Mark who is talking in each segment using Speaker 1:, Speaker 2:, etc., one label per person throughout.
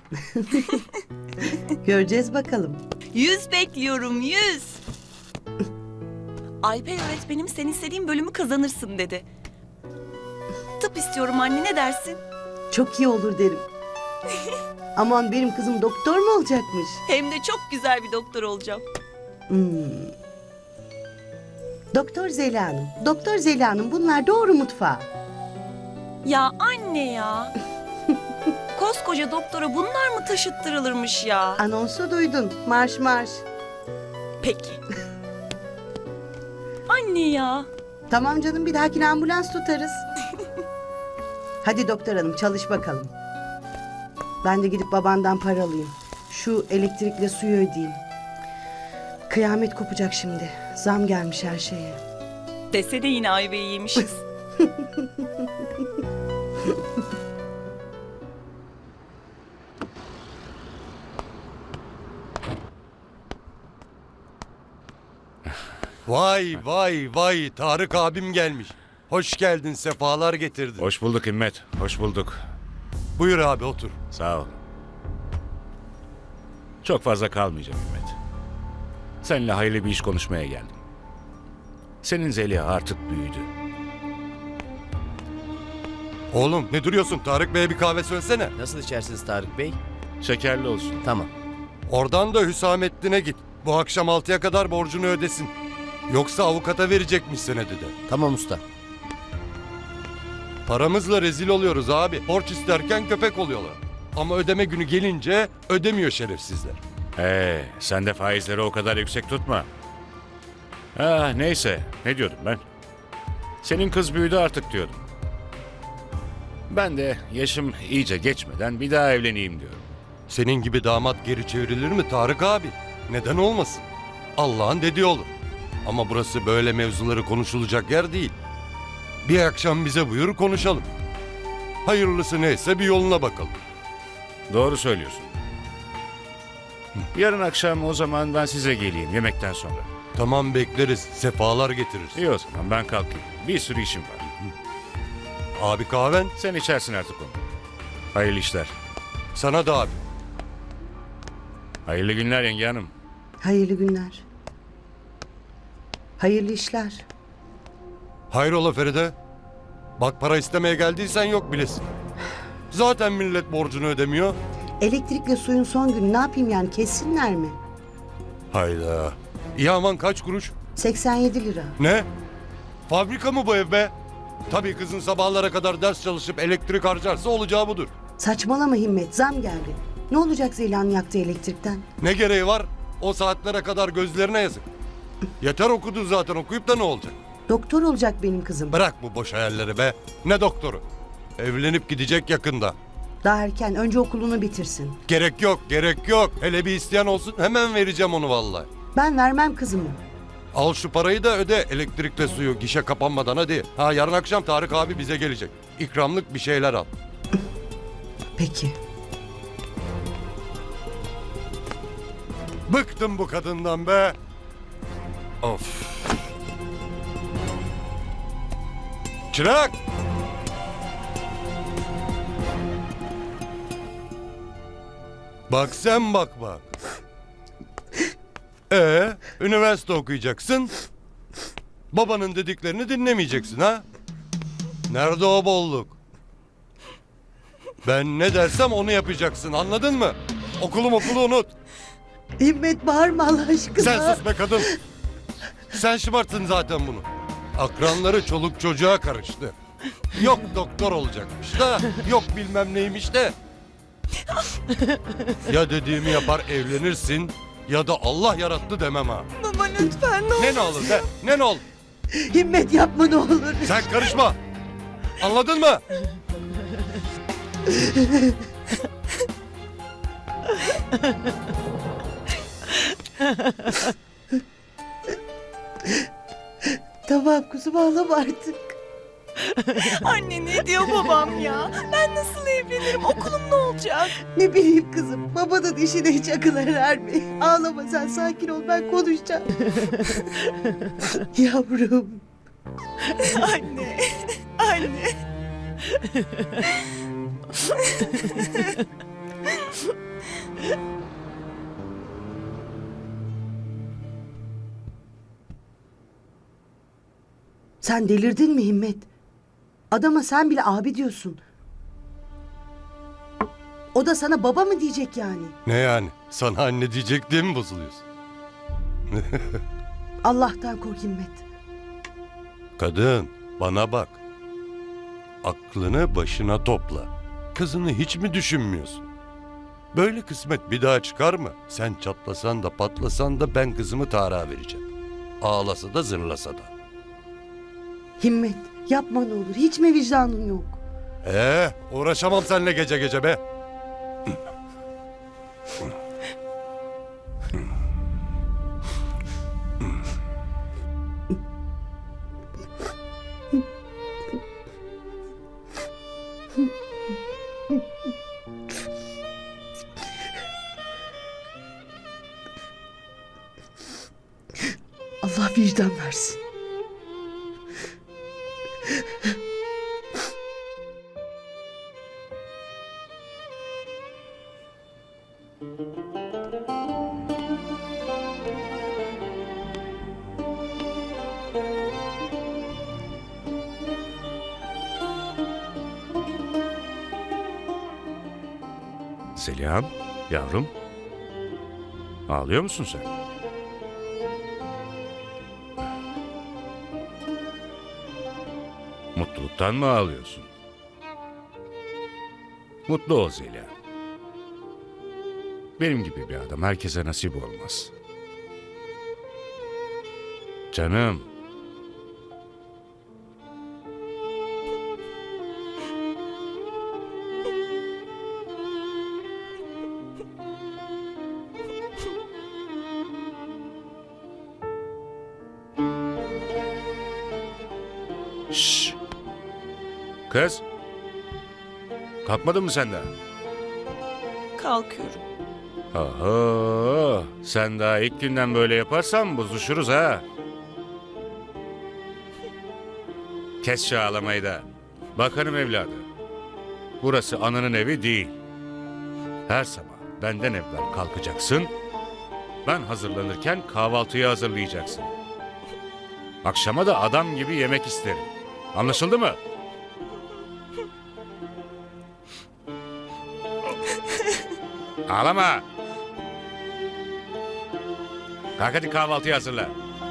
Speaker 1: Göreceğiz bakalım.
Speaker 2: 100 bekliyorum, 100. Alper öğretmenim sen istediğin bölümü kazanırsın dedi. Tıp istiyorum anne, ne dersin?
Speaker 1: Çok iyi olur derim. Aman benim kızım doktor mu olacakmış?
Speaker 2: Hem de çok güzel bir doktor olacağım.
Speaker 1: Doktor Zeliha Hanım. Doktor Zeliha Hanım bunlar doğru mutfağa.
Speaker 2: Ya anne ya. Koskoca doktora bunlar mı taşıttırılırmış ya?
Speaker 1: Anonsu duydun. Marş marş.
Speaker 2: Peki. Anne ya.
Speaker 1: Tamam canım bir dahakine ambulans tutarız. Hadi doktor hanım çalış bakalım. Ben de gidip babandan para alayım. Şu elektrikle suyu ödeyeyim. Kıyamet kopacak şimdi. Zam gelmiş her şeye.
Speaker 2: Desene yine ayvayı yemişiz.
Speaker 3: Vay vay vay Tarık abim gelmiş. Hoş geldin, sefalar getirdin.
Speaker 4: Hoş bulduk Himmet, hoş bulduk.
Speaker 3: Buyur abi otur.
Speaker 4: Sağ ol. Çok fazla kalmayacağım Himmet. Seninle hayırlı bir iş konuşmaya geldim. Senin Zeliha artık büyüdü.
Speaker 3: Oğlum ne duruyorsun? Tarık Bey'e bir kahve söylesene.
Speaker 5: Nasıl içersiniz Tarık Bey?
Speaker 4: Şekerli olsun.
Speaker 5: Tamam.
Speaker 3: Oradan da Hüsamettin'e git. Bu akşam 6'ya kadar borcunu ödesin. Yoksa avukata verecekmiş senedi de.
Speaker 5: Tamam usta.
Speaker 3: Paramızla rezil oluyoruz abi. Borç isterken köpek oluyorlar. Ama ödeme günü gelince ödemiyor şerefsizler.
Speaker 4: Sen de faizleri o kadar yüksek tutma. Neyse, ne diyordum ben? Senin kız büyüdü artık diyordum. Ben de yaşım iyice geçmeden bir daha evleneyim diyorum.
Speaker 3: Senin gibi damat geri çevrilir mi Tarık abi? Neden olmasın? Allah'ın dediği olur. Ama burası böyle mevzuları konuşulacak yer değil. Bir akşam bize buyur konuşalım. Hayırlısı neyse bir yoluna bakalım.
Speaker 4: Doğru söylüyorsun. Yarın akşam o zaman ben size geleyim yemekten sonra.
Speaker 3: Tamam bekleriz. Sefalar getiririz.
Speaker 4: İyi o zaman ben kalkayım. Bir sürü işim var.
Speaker 3: Abi kahven
Speaker 4: Sen içersin artık onu. Hayırlı işler.
Speaker 3: sana da abi.
Speaker 4: Hayırlı günler yenge hanım.
Speaker 1: Hayırlı günler. Hayırlı işler.
Speaker 3: Hayrola Feride? Bak para istemeye geldiysen yok bilesin. Zaten millet borcunu ödemiyor.
Speaker 1: Elektrikle suyun son günü ne yapayım yani kessinler mi?
Speaker 3: Hayda. İyi aman kaç kuruş?
Speaker 1: 87 lira.
Speaker 3: Ne? Fabrika mı bu ev be? Tabii kızın sabahlara kadar ders çalışıp elektrik harcarsa olacağı budur.
Speaker 1: Saçmalama Himmet zam geldi. Ne olacak Zeliha'nın yaktığı elektrikten?
Speaker 3: Ne gereği var? O saatlere kadar gözlerine yazık. Yeter okudun zaten, okuyup da ne olacak?
Speaker 1: Doktor olacak benim kızım.
Speaker 3: Bırak bu boş hayalleri be. Ne doktoru? Evlenip gidecek yakında.
Speaker 1: Daha erken önce okulunu bitirsin.
Speaker 3: Gerek yok, gerek yok. Hele bir isteyen olsun hemen vereceğim onu vallahi.
Speaker 1: Ben vermem kızımı.
Speaker 3: Al şu parayı da öde elektrikle suyu gişe kapanmadan hadi. Ha yarın akşam Tarık abi bize gelecek. İkramlık bir şeyler al.
Speaker 1: Peki.
Speaker 3: Bıktım bu kadından be. Of. Çırak! Bak sen bak bak. Üniversite okuyacaksın. Babanın dediklerini dinlemeyeceksin ha? Nerede o bolluk? Ben ne dersem onu yapacaksın, anladın mı? Okulu unut.
Speaker 1: Himmet bağırma Allah aşkına.
Speaker 3: Sen sus be kadın. Sen şımarttın zaten bunu. Akranları çoluk çocuğa karıştı. Yok doktor olacakmış da, yok bilmem neymiş de. Ya dediğimi yapar evlenirsin ya da Allah yarattı demem ha.
Speaker 2: Baba lütfen ne olur.
Speaker 3: Ne olur be? Ne olur?
Speaker 1: Himmet yapma ne olur.
Speaker 3: Sen karışma. Anladın mı?
Speaker 1: Tamam kuzum ağlama artık.
Speaker 2: Anne ne diyor babam ya? Ben nasıl evlenirim? Okulum ne olacak?
Speaker 1: Ne bileyim kızım babanın işine hiç akıl erer mi? Ağlama sen sakin ol ben konuşacağım. Yavrum.
Speaker 2: Anne. Anne.
Speaker 1: Sen delirdin mi Himmet? Adama sen bile abi diyorsun. O da sana baba mı diyecek yani?
Speaker 3: Ne yani? Sana anne diyecek diye mi bozuluyorsun?
Speaker 1: Allah'tan kork Himmet.
Speaker 3: Kadın, bana bak. Aklını başına topla. Kızını hiç mi düşünmüyorsun? Böyle kısmet bir daha çıkar mı? Sen çatlasan da patlasan da ben kızımı Tarık'a vereceğim. Ağlasa da zırlasa da.
Speaker 1: Himmet yapma ne olur. Hiç mi vicdanın yok?
Speaker 3: Uğraşamam seninle gece gece be.
Speaker 1: Allah vicdan versin.
Speaker 4: Zeliha'm, yavrum. Ağlıyor musun sen? Mutluluktan mı ağlıyorsun? Mutlu ol Zeliha. Benim gibi bir adam herkese nasip olmaz. Canım. Şşş. Kız. Kalkmadın mı sen daha?
Speaker 2: Kalkıyorum.
Speaker 4: Aha, sen daha ilk günden böyle yaparsan bozuşuruz ha. Kes şu ağlamayı da. Bakanım evladı. Burası ananın evi değil. Her sabah benden evvel kalkacaksın. Ben hazırlanırken kahvaltıyı hazırlayacaksın. Akşama da adam gibi yemek isterim. Anlaşıldı mı? Ağlama. Kalk hadi kahvaltıyı hazırla.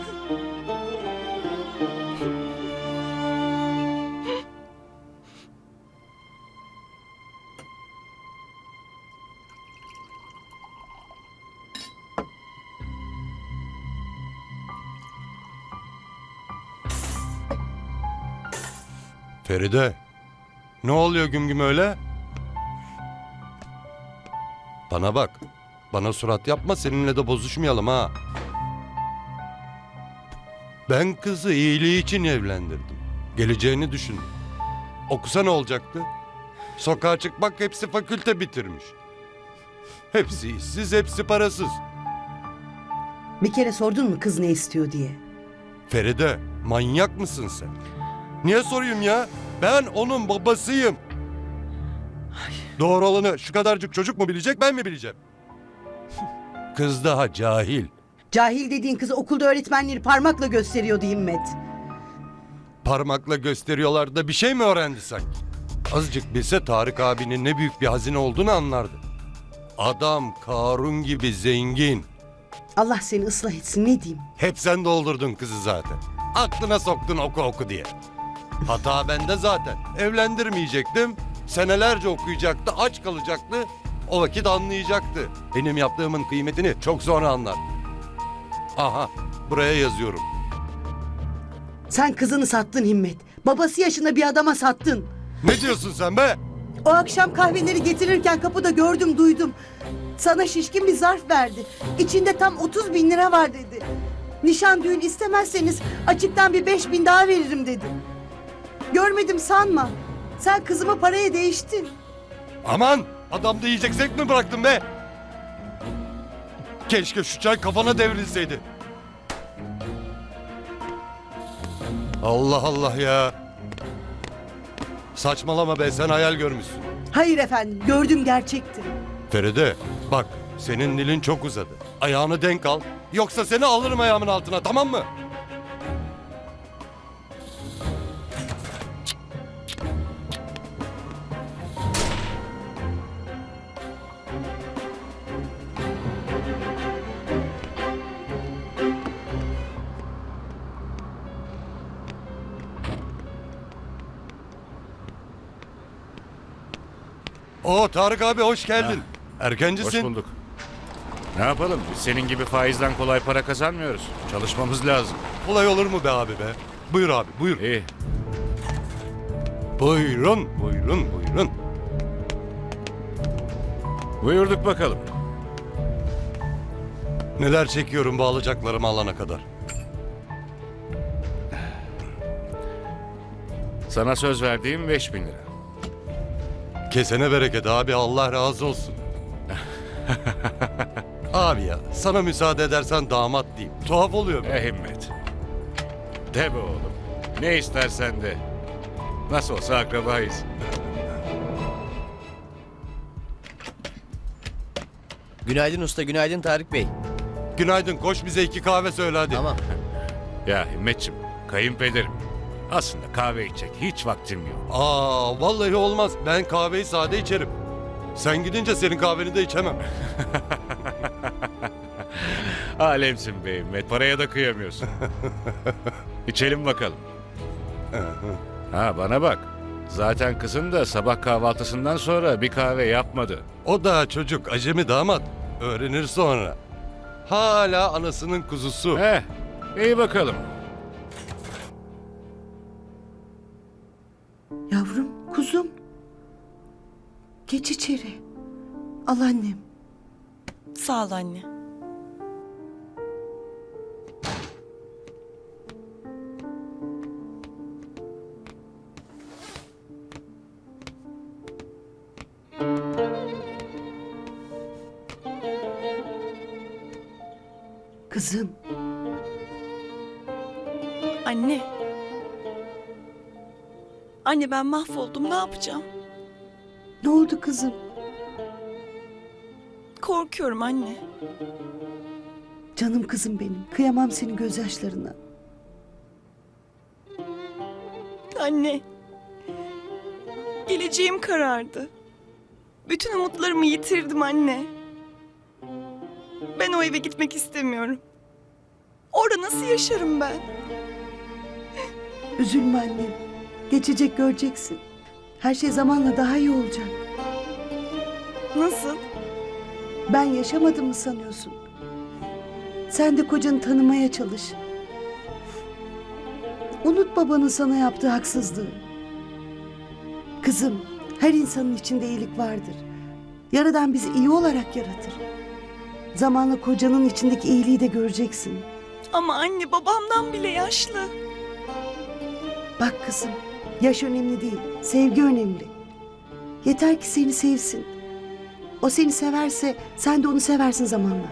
Speaker 3: Feride, ne oluyor güm güm öyle? Bana bak, bana surat yapma, seninle de bozuşmayalım ha. Ben kızı iyiliği için evlendirdim. Geleceğini düşündüm. Okusa ne olacaktı? Sokağa çıkmak, hepsi fakülte bitirmiş. Hepsi işsiz, hepsi parasız.
Speaker 1: Bir kere sordun mu kız ne istiyor diye?
Speaker 3: Feride, manyak mısın sen? Niye sorayım ya? Ben onun babasıyım. Doğru olanı şu kadarcık çocuk mu bilecek, ben mi bileceğim? Kız daha cahil.
Speaker 1: Cahil dediğin kızı okulda öğretmenleri parmakla gösteriyordu Himmet.
Speaker 3: Parmakla gösteriyorlar da bir şey mi öğrendi sanki? Azıcık bilse Tarık abinin ne büyük bir hazine olduğunu anlardı. Adam Karun gibi zengin.
Speaker 1: Allah seni ıslah etsin ne diyeyim.
Speaker 3: Hep sen doldurdun kızı zaten. Aklına soktun oku oku diye. Hata bende zaten. Evlendirmeyecektim. Senelerce okuyacaktı, aç kalacaktı. O vakit anlayacaktı. Benim yaptığımın kıymetini çok sonra anlar. Aha, buraya yazıyorum.
Speaker 1: Sen kızını sattın Himmet. Babası yaşında bir adama sattın.
Speaker 3: Ne diyorsun sen be?
Speaker 1: O akşam kahveleri getirirken kapıda gördüm duydum. Sana şişkin bir zarf verdi. İçinde tam 30 bin lira var dedi. Nişan düğün istemezseniz açıktan bir 5 bin daha veririm dedi. Görmedim sanma. Sen kızımı paraya değiştin.
Speaker 3: Aman, adamda yiyecek zevk mi bıraktın be? Keşke şu çay kafana devrilseydi. Allah Allah ya. Saçmalama be, sen hayal görmüşsün.
Speaker 1: Hayır efendim, gördüm gerçekti.
Speaker 3: Feride, bak senin dilin çok uzadı. Ayağını denk al. Yoksa seni alırım ayağımın altına, tamam mı? Oo Tarık abi hoş geldin.
Speaker 4: Hoş
Speaker 3: Erkencisin.
Speaker 4: bulduk. Ne yapalım? Biz senin gibi faizden kolay para kazanmıyoruz. Çalışmamız lazım.
Speaker 3: Kolay olur mu be abi be? Buyur abi buyur.
Speaker 4: İyi.
Speaker 3: Buyurun buyurun buyurun.
Speaker 4: Buyurduk bakalım.
Speaker 3: Neler çekiyorum bu alacaklarımı alana kadar.
Speaker 4: Sana söz verdiğim 5.000 lira.
Speaker 3: Kesene bereket abi Allah razı olsun. Abi ya sana müsaade edersen damat diyeyim. Tuhaf oluyor be.
Speaker 4: Himmet. De be oğlum. Ne istersen de. Nasıl olsa akrabayız.
Speaker 5: Günaydın usta, günaydın Tarık Bey.
Speaker 3: Günaydın koş bize 2 kahve söyle hadi.
Speaker 5: Tamam.
Speaker 4: Ya Himmetçim, kayınpederim. Aslında kahve içecek hiç vaktim yok.
Speaker 3: Aa vallahi olmaz. Ben kahveyi sade içerim. Sen gidince senin kahveni de içemem.
Speaker 4: Alemsin be Himmet, paraya da kıyamıyorsun. İçelim bakalım. Ha bana bak. Zaten kızın da sabah kahvaltısından sonra bir kahve yapmadı.
Speaker 3: O da çocuk acemi damat. Öğrenir sonra. Hala anasının kuzusu.
Speaker 4: İyi bakalım.
Speaker 1: Yavrum, kuzum. Geç içeri. Al annem.
Speaker 2: Sağ ol anne.
Speaker 1: Kızım,
Speaker 2: Anne. Anne ben mahvoldum, ne yapacağım?
Speaker 1: ne oldu kızım?
Speaker 2: Korkuyorum anne.
Speaker 1: Canım kızım benim. Kıyamam senin gözyaşlarına.
Speaker 2: Anne. Geleceğim karardı. Bütün umutlarımı yitirdim anne. Ben o eve gitmek istemiyorum. Orada nasıl yaşarım ben?
Speaker 1: Üzülme annem. Geçecek, göreceksin. Her şey zamanla daha iyi olacak.
Speaker 2: Nasıl?
Speaker 1: Ben yaşamadım mı sanıyorsun? Sen de kocanı tanımaya çalış. Unut babanın sana yaptığı haksızlığı. Kızım, her insanın içinde iyilik vardır. Yaradan bizi iyi olarak yaratır. Zamanla kocanın içindeki iyiliği de göreceksin.
Speaker 2: Ama anne babamdan bile yaşlı.
Speaker 1: Bak kızım, yaş önemli değil, sevgi önemli. Yeter ki seni sevsin. O seni severse sen de onu seversin zamanla.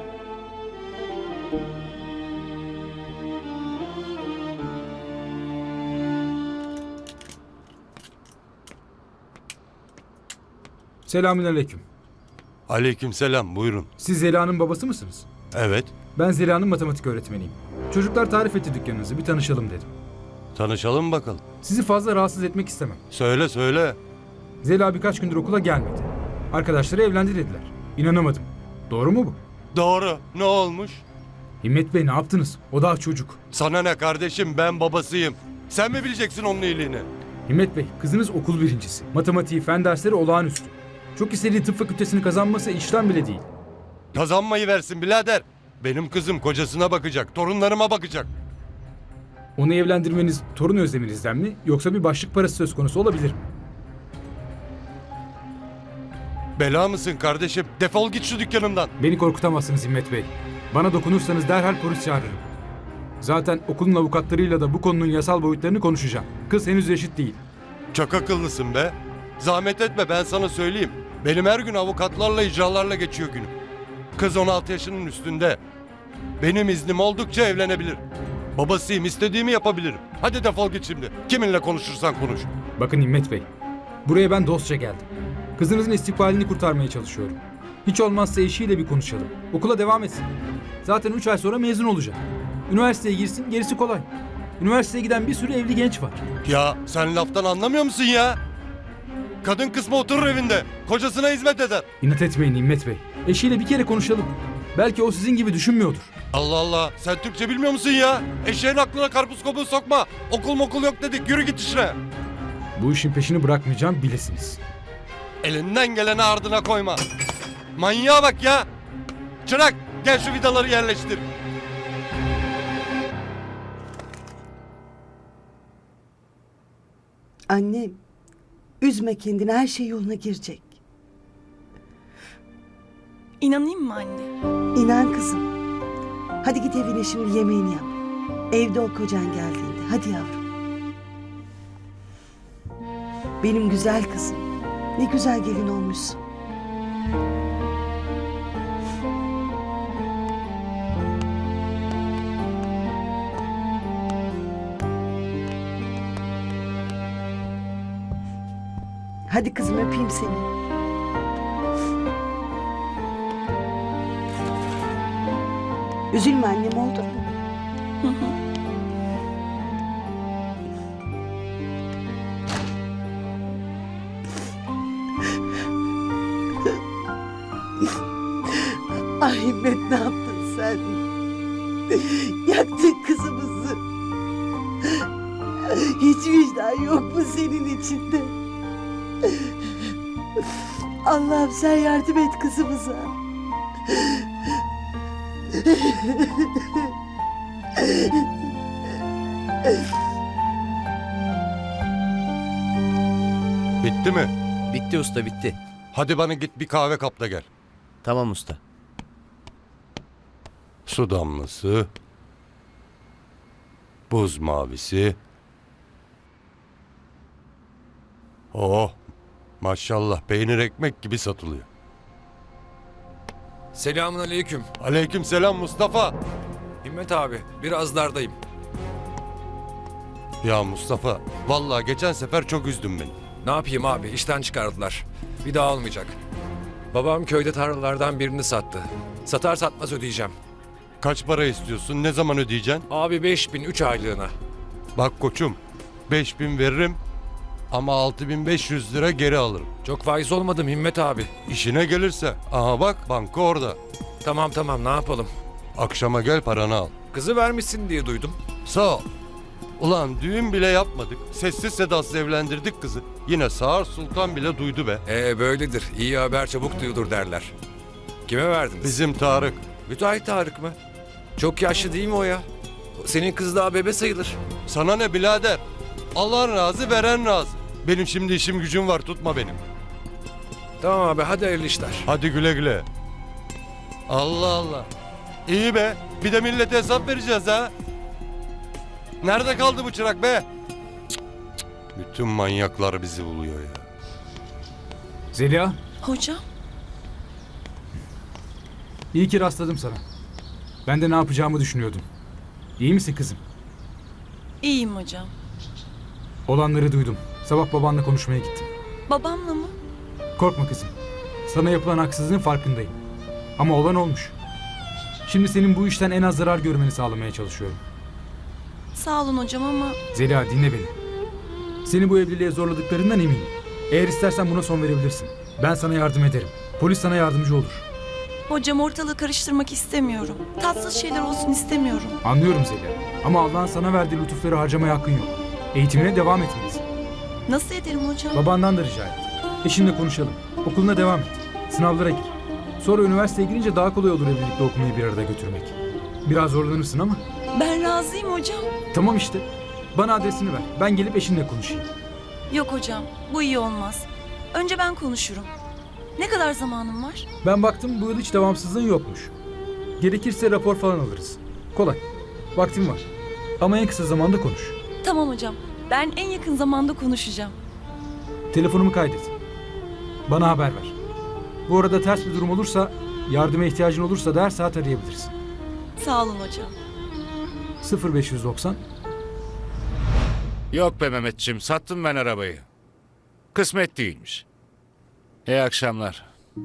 Speaker 6: Selamünaleyküm.
Speaker 3: Aleykümselam buyurun.
Speaker 6: Siz Zeliha'nın babası mısınız?
Speaker 3: Evet
Speaker 6: Ben Zeliha'nın matematik öğretmeniyim. Çocuklar tarif etti dükkanınızı, bir tanışalım dedim.
Speaker 3: tanışalım bakalım.
Speaker 6: Sizi fazla rahatsız etmek istemem.
Speaker 3: Söyle söyle.
Speaker 6: Zeliha birkaç gündür okula gelmedi. Arkadaşları evlendi dediler. İnanamadım. Doğru mu bu?
Speaker 3: Doğru ne olmuş?
Speaker 6: Himmet Bey ne yaptınız? O daha çocuk.
Speaker 3: Sana ne kardeşim ben babasıyım. Sen mi bileceksin onun iyiliğini?
Speaker 6: Himmet Bey, kızınız okul birincisi. Matematiği, fen dersleri olağanüstü. Çok istediği tıp fakültesini kazanması işten bile değil.
Speaker 3: Kazanmayı versin birader. Benim kızım kocasına bakacak, torunlarıma bakacak.
Speaker 6: Onu evlendirmeniz torun özleminizden mi, yoksa bir başlık parası söz konusu olabilir mi?
Speaker 3: Bela mısın kardeşim? Defol git şu dükkanımdan.
Speaker 6: Beni korkutamazsınız Himmet Bey. Bana dokunursanız derhal polis çağırırım. Zaten okulun avukatlarıyla da bu konunun yasal boyutlarını konuşacağım. Kız henüz eşit değil.
Speaker 3: Çok akıllısın be. Zahmet etme ben sana söyleyeyim. Benim her gün avukatlarla icralarla geçiyor günüm. Kız 16 yaşının üstünde. Benim iznim oldukça evlenebilir. Babasıyım istediğimi yapabilirim. Hadi defol git şimdi. Kiminle konuşursan konuş.
Speaker 6: Bakın Himmet Bey, buraya ben dostça geldim. Kızınızın istikbalini kurtarmaya çalışıyorum. Hiç olmazsa eşiyle bir konuşalım. Okula devam etsin. Zaten 3 ay sonra mezun olacak. Üniversiteye girsin, gerisi kolay. Üniversiteye giden bir sürü evli genç var.
Speaker 3: Ya sen laftan anlamıyor musun ya? Kadın kısmı oturur evinde. Kocasına hizmet eder.
Speaker 6: İnat etmeyin Himmet Bey. Eşiyle bir kere konuşalım. Belki o sizin gibi düşünmüyordur.
Speaker 3: Allah Allah. Sen Türkçe bilmiyor musun ya? Eşeğin aklına karpuz kabuğu sokma. Okul mokul yok dedik. Yürü git işine.
Speaker 6: Bu işin peşini bırakmayacağım bilesiniz.
Speaker 3: Elinden geleni ardına koyma. Manyağa bak ya. Çırak gel şu vidaları yerleştir.
Speaker 1: Annem, üzme kendini, her şey yoluna girecek.
Speaker 2: İnanayım mı anne?
Speaker 1: İnan kızım. Hadi git evine şimdi yemeğini yap. Evde ol kocan geldiğinde. Hadi yavrum. Benim güzel kızım. Ne güzel gelin olmuşsun. Hadi kızım öpeyim seni. Üzülme annem, oldu mu? Ay Himmet, ne yaptın sen? Yaktın kızımızı. Hiç vicdan yok mu senin içinde? Allah'ım sen yardım et kızımıza.
Speaker 3: Bitti mi?
Speaker 5: Bitti usta bitti.
Speaker 3: Hadi bana git bir kahve kap da gel.
Speaker 5: Tamam usta.
Speaker 3: Su damlası. Buz mavisi. Oh, maşallah peynir ekmek gibi satılıyor.
Speaker 7: Selamun aleyküm.
Speaker 3: Aleyküm selam Mustafa.
Speaker 7: Himmet abi, biraz dardayım.
Speaker 3: Ya Mustafa, vallahi geçen sefer çok üzdün beni.
Speaker 7: Ne yapayım abi, işten çıkardılar. Bir daha olmayacak. Babam köyde tarlalardan birini sattı. Satar satmaz ödeyeceğim.
Speaker 3: Kaç para istiyorsun, ne zaman ödeyeceksin?
Speaker 7: Abi 5.000 3 aylığına.
Speaker 3: Bak koçum, 5.000 veririm ama 6.500 lira geri alırım.
Speaker 7: Çok faiz olmadım Himmet abi.
Speaker 3: İşine gelirse, aha bak banka orada.
Speaker 7: Tamam ne yapalım.
Speaker 3: Akşama gel paranı al.
Speaker 7: Kızı vermişsin diye duydum.
Speaker 3: Sağ ol. Ulan düğün bile yapmadık. Sessiz sedasız evlendirdik kızı. Yine Sağır Sultan bile duydu be.
Speaker 7: Böyledir. İyi haber çabuk duyulur derler. Kime verdiniz?
Speaker 3: Bizim Tarık.
Speaker 7: Müteahhit Tarık mı? Çok yaşlı değil mi o ya? Senin kız daha bebe sayılır.
Speaker 3: Sana ne birader? Allah razı veren razı. Benim şimdi işim gücüm var, tutma benim.
Speaker 7: Tamam abi, hadi hayırlı işler.
Speaker 3: Hadi güle güle. Allah Allah. İyi be. Bir de millete hesap vereceğiz ha. Nerede kaldı bu çırak be? Cık, cık. Bütün manyaklar bizi buluyor ya.
Speaker 6: Zeliha,
Speaker 2: Hocam?
Speaker 6: iyi ki rastladım sana. Ben de ne yapacağımı düşünüyordum. İyi misin kızım?
Speaker 2: İyiyim hocam.
Speaker 6: Olanları duydum. Sabah babanla konuşmaya gittim.
Speaker 2: Babamla mı?
Speaker 6: Korkma kızım. Sana yapılan haksızlığın farkındayım. Ama olan olmuş. Şimdi senin bu işten en az zarar görmeni sağlamaya çalışıyorum.
Speaker 2: Sağ olun hocam ama
Speaker 6: Zeliha, dinle beni. Seni bu evliliğe zorladıklarından eminim. Eğer istersen buna son verebilirsin. Ben sana yardım ederim. Polis sana yardımcı olur.
Speaker 2: hocam ortalığı karıştırmak istemiyorum. Tatsız şeyler olsun istemiyorum.
Speaker 6: Anlıyorum Zeliha. Ama Allah'ın sana verdiği lütufları harcamaya hakkın yok. Eğitimine devam etmelisin.
Speaker 2: Nasıl ederim hocam?
Speaker 6: Babandan da rica et. Eşinle konuşalım. Okuluna devam et. Sınavlara gir. Sonra üniversiteye girince daha kolay olur evlilikle okumayı bir arada götürmek. Biraz zorlanırsın ama.
Speaker 2: Ben razıyım hocam.
Speaker 6: Tamam işte. Bana adresini ver. Ben gelip eşinle konuşayım.
Speaker 2: Yok hocam, bu iyi olmaz. Önce ben konuşurum. Ne kadar zamanım var?
Speaker 6: Ben baktım bu yıl hiç devamsızlığın yokmuş. Gerekirse rapor falan alırız. Kolay. Vaktim var. Ama en kısa zamanda konuş.
Speaker 2: Tamam hocam, ben en yakın zamanda konuşacağım.
Speaker 6: Telefonumu kaydet. Bana haber ver. Bu arada ters bir durum olursa, yardıma ihtiyacın olursa da her saat arayabilirsin.
Speaker 2: Sağ olun hocam.
Speaker 6: 0590
Speaker 4: Yok be Mehmetçim, sattım ben arabayı. Kısmet değilmiş. İyi akşamlar.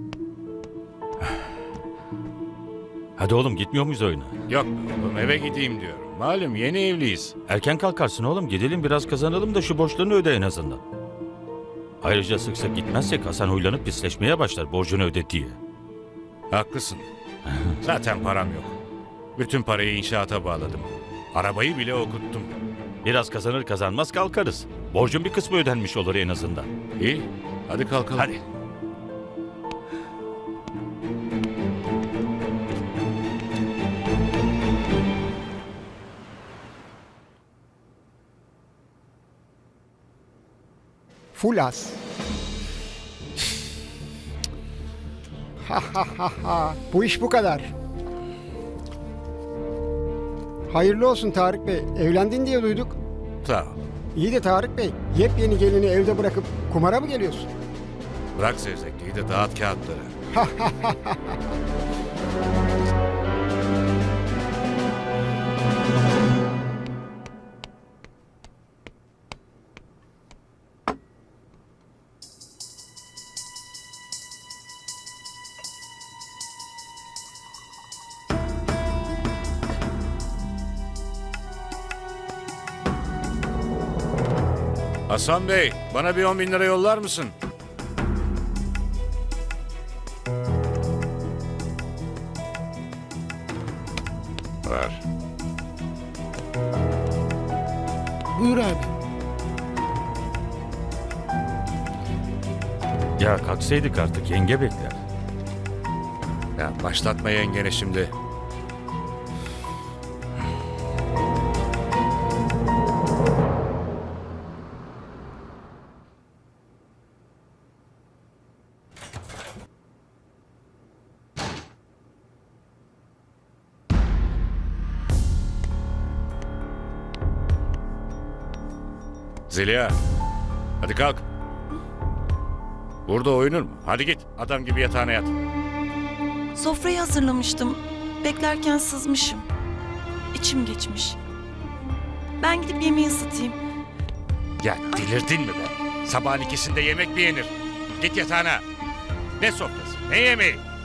Speaker 8: Hadi oğlum gitmiyor muyuz oyuna?
Speaker 4: Yok be oğlum, eve gideyim diyorum. Malum yeni evliyiz.
Speaker 8: Erken kalkarsın oğlum. Gidelim biraz kazanalım da şu borçlarını öde en azından. Ayrıca sık sık gitmezsek Hasan huylanıp pisleşmeye başlar borcunu öde diye.
Speaker 4: Haklısın. Zaten param yok. Bütün parayı inşaata bağladım. Arabayı bile okuttum.
Speaker 8: Biraz kazanır kazanmaz kalkarız. Borcun bir kısmı ödenmiş olur en azından.
Speaker 4: İyi, hadi kalkalım.
Speaker 8: Hadi.
Speaker 9: full az. Ha ha ha ha. Bu iş bu kadar. Hayırlı olsun Tarık Bey. Evlendin diye duyduk.
Speaker 4: Sağ ol.
Speaker 9: İyi de Tarık Bey, yepyeni gelini evde bırakıp kumara mı geliyorsun?
Speaker 4: Bırak zevzekliği de dağıt kağıtları. Hasan Bey, bana bir 10 bin lira yollar mısın? Ver.
Speaker 9: Buyur abi.
Speaker 8: Ya kalksaydık artık, yenge bekler.
Speaker 4: Ya başlatma yengene şimdi. Zeliha, hadi kalk. Burada oyunur mu? Hadi git, adam gibi yatağına yat.
Speaker 2: Sofrayı hazırlamıştım. Beklerken sızmışım. İçim geçmiş. Ben gidip yemeği ısıtayım.
Speaker 4: Ya delirdin mi be? Sabahın ikisinde yemek mi yenir? Git yatağına. Ne sofrası, ne yemeği?